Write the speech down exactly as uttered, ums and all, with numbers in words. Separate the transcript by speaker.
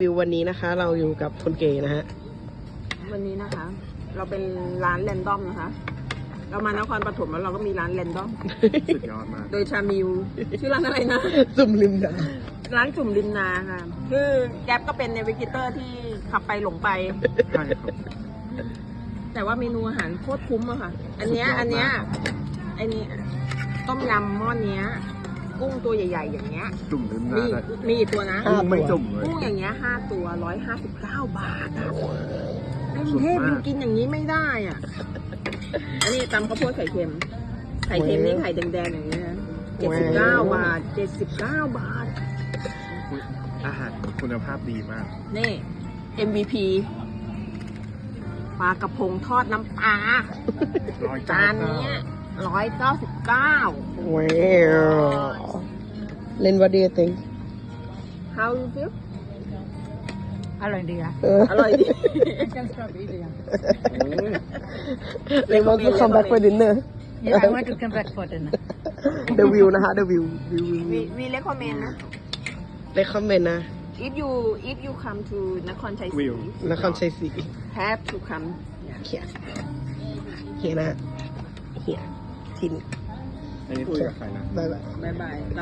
Speaker 1: วิววันนี้นะคะเราอยู่กับคนเก๋นะฮะ
Speaker 2: วันนี้นะคะ เราเป็นร้านแรนดอมนะคะ เรามานครปฐมแล้วเราก็มีร้านแรนดอม
Speaker 3: สุดยอดมาก
Speaker 2: โดยชามิวชื่อร้านอะไรนะ
Speaker 1: ซุ่มริมนะ
Speaker 2: ร้านจุ่มริมนาค่ะ คือแก๊ปก็เป็นเนวิเกเตอร์ที่ขับไปหลงไป
Speaker 3: ใช่ครับ
Speaker 2: แต่ว่าเมนูอาหารโคตรคุ้มอะค่ะ อันเนี้ย
Speaker 3: สุดยอดมาก
Speaker 2: อันเนี้ยไอันนี้ต้มยำหม้อเนี้ย กุ้งตัวใหญ่ ๆ อย่างเงี้ย
Speaker 3: จุ่มลืมห
Speaker 2: มี
Speaker 3: น้าเลย
Speaker 2: มีอีกตัวนะ
Speaker 3: กุ้งไม่จุ่มเลย
Speaker 2: กุ้งอย่างเงี้ยห้าตัวร้อยห้าสิบเก้าบาทอะในกรุงเทพ
Speaker 3: สุดมาก
Speaker 2: ยังกินอย่างนี้ไม่ได้อ่ะ อันนี้ตำข้าวโพดไข่เค็ม ไข่เค็มนี่ไข่แดงๆอย่างนี้นะเจ็ดสิบเก้าบาทเจ็ดสิบเก้าบาท
Speaker 3: อาหารคุณภาพดีมาก
Speaker 2: นี่ เอ็ม วี พี ปลากระพงทอดน้ำปลา
Speaker 3: ร้อย
Speaker 2: จานเนี้ยร้อยเก้าสิบเก้า
Speaker 1: ว้าวเล่น what do you think
Speaker 2: How you feel
Speaker 4: อร่อยดีอะ
Speaker 1: เออ
Speaker 2: อร่อยดี
Speaker 4: Can stop eating.
Speaker 1: they want to come back for dinner
Speaker 4: Yeah, I want to come back for dinner.
Speaker 1: the view นะคะ the view view view
Speaker 2: วี
Speaker 1: view
Speaker 2: วีเลคคอมเมนต์นะ
Speaker 1: recommend นะ
Speaker 2: if you if you come to นครชัยศรี
Speaker 3: วิวน
Speaker 1: ครชัยศรี
Speaker 2: have to come
Speaker 1: เฮียเฮียนะเฮียทิน
Speaker 3: อันนี้คุยกับใครนะ
Speaker 1: บายบาย
Speaker 2: บายบาย